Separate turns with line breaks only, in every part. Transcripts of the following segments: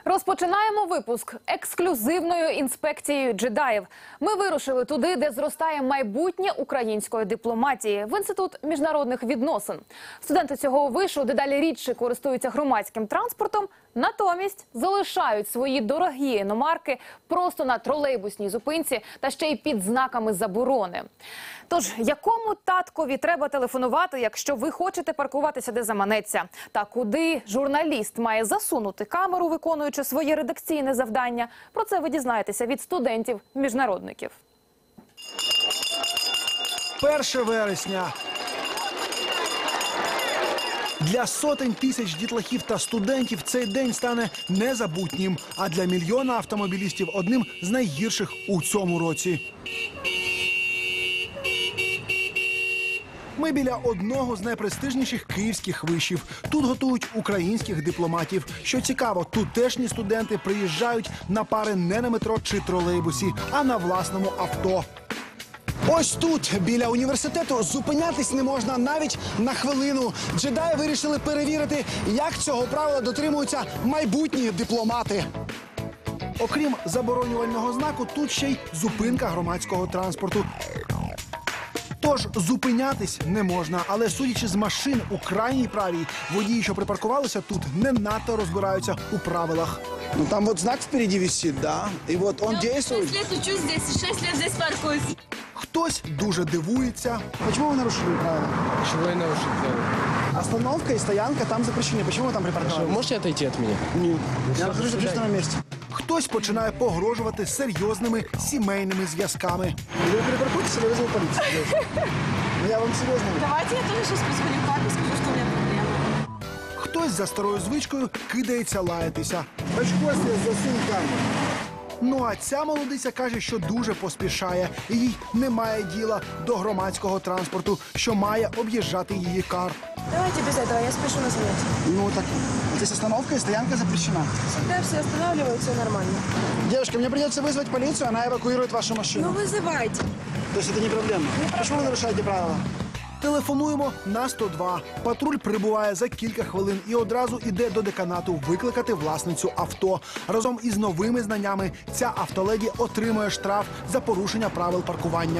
Розпочинаємо випуск ексклюзивною інспекцією джедаїв. Ми вирушили туди, де зростає майбутнє української дипломатії – в Інститут міжнародних відносин. Студенти цього вишу дедалі рідше користуються громадським транспортом, натомість залишають свої дорогі іномарки просто на тролейбусній зупинці та ще й під знаками заборони. Тож, якому таткові треба телефонувати, якщо ви хочете паркуватися де заманеться? Та куди журналіст має засунути камеру, виконуючи своє редакційне завдання? Про це ви дізнаєтеся від студентів-міжнародників.
1 вересня. Для сотень тисяч дітлахів та студентів цей день стане незабутнім, а для мільйона автомобілістів – одним з найгірших у цьому році. Ми біля одного з найпрестижніших київських вишів. Тут готують українських дипломатів. Що цікаво, тутешні студенти приїжджають на пари не на метро чи тролейбусі, а на власному авто. Ось тут, біля університету, зупинятись не можна навіть на хвилину. Джедаї вирішили перевірити, як цього правила дотримуються майбутні дипломати. Окрім заборонювального знаку, тут ще й зупинка громадського транспорту. Тож зупинятись не можна, але судячи з машин у крайній правій, водії, що припаркувалися тут, не надто розбираються у правилах.
Ну там вот знак впереди висит, да, и вот он действует.
6 лет учусь здесь, 6 лет здесь паркуюсь.
Хтось дуже дивується.
Почему вы нарушили правила?
Чего я нарушил правила?
Остановка и стоянка там запрещены. Почему вы там припарковались?
Можете отойти от меня?
Нет.
все,
Я нахожусь в
до
общественном месте.
Хтось починає погрожувати серйозними сімейними зв'язками.
Или вы перепаркуетесь, или вызову полицию. Ну я вам серьезно говорю.
Давайте я тоже сейчас позвоню папе, скажу, что у меня проблема.
Хтось за старою звичкою кидається лаятися.
Очко себе засунь камеру.
Ну а ця молодиця каже, що дуже поспішає. І їй немає діла до громадського транспорту, що має об'їжджати її кар.
Давайте без этого, я спешу на занятие.
Ну так, здесь остановка и стоянка запрещена.
Всегда все останавливают, все нормально.
Девушка, мне придется вызвать полицию, она эвакуирует вашу машину.
Ну вызывайте.
То есть это не проблема. Почему вы нарушаете правила?
Телефонуємо на 102. Патруль прибуває за кілька хвилин і одразу іде до деканату викликати власницю авто. Разом із новими знаннями ця автоледі отримує штраф за порушення правил паркування.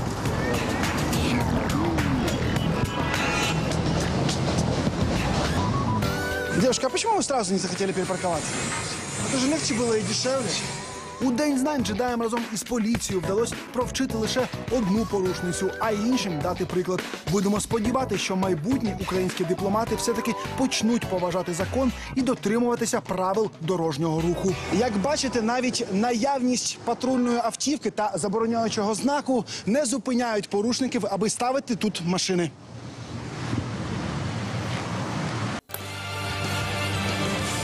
Девушка, а почему вы сразу не захотели перепарковаться? Это же легче было и дешевле.
У День знань джедаям разом із поліцією вдалося провчити лише одну порушницю, а іншим дати приклад. Будемо сподіватися, що майбутні українські дипломати все-таки почнуть поважати закон і дотримуватися правил дорожнього руху.
Як бачите, навіть наявність патрульної автівки та забороняючого знаку не зупиняють порушників, аби ставити тут машини.